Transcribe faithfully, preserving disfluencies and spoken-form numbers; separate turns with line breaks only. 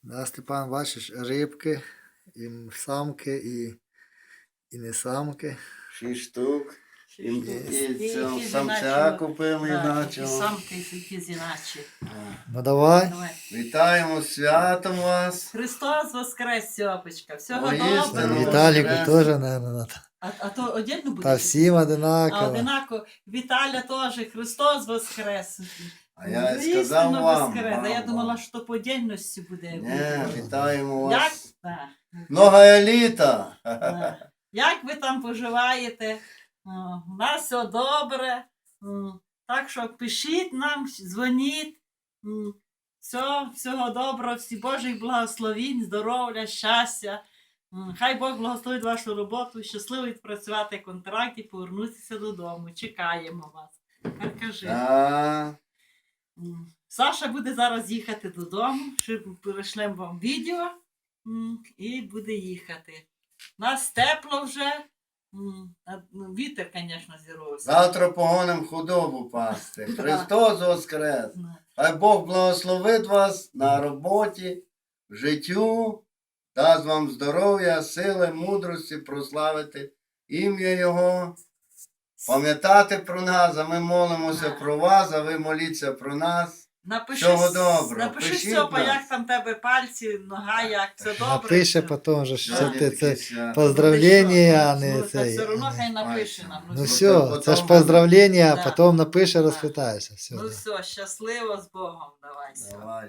Да, Степан, бачиш, рибки, і самки, і, і не самки.
Шість штук. І, і,
І-
цього
і
самця
іначе,
купили
да,
іначе.
і самки, які іначе.
Ну давай.
Давай.
Вітаємо з святом вас.
Христос воскрес, Сьопочка. Всього
Воістину
доброго.
Віталіку
воскрес.
теж, наверное,
А, а то одягну буде?
та всім
А
одинаково.
одинаково. Віталя теж. Христос воскрес.
А я
Воістину
сказав вам.
воскрес. А я
вам,
думала,
вам.
що по дільності буде.
Ні, вітаємо
Як?
вас.
Да.
Много літа.
Да. Як ви там поживаєте? О, У нас все добре. М, Так що пишіть нам, дзвоніть. М, Все, всього доброго, всі Божих благословінь, здоров'я, щастя. М, Хай Бог благословить вашу роботу, щасливо відпрацювати контракт і повернутися додому. Чекаємо вас. Тепер кажи.
А,
М, Саша буде зараз їхати додому, ще перешлемо вам відео м, і буде їхати. Нас тепло вже. м, а, ну, Вітер, звісно, зірвався.
Завтра погоним худобу пасти. Христос воскрес.
Ну,
Хай Бог благословить вас на роботі, в життю, дасть вам здоров'я, сили, мудрості прославити ім'я Його, пам'ятати про нас, а ми молимося
Так.
про вас, а ви моліться про нас.
Напиши,
Всього
с-
доброго.
напиши
Пишіть
Стьопа,
нам.
як там тебе пальці, нога, як це добре.
Напише
все.
потім же, що
Сьогодні
це,
таке
це
свято.
поздравлення, а не
Ну, так
цей.
все одно
а не-
хай напише нам.
Ну
Потім-
все, це ж
потім-
поздравлення, а
Да.
потім напише,
Да.
розпитаєшся. Все,
Ну
да.
все, щасливо з Богом, давай. Сьопа.
Давай.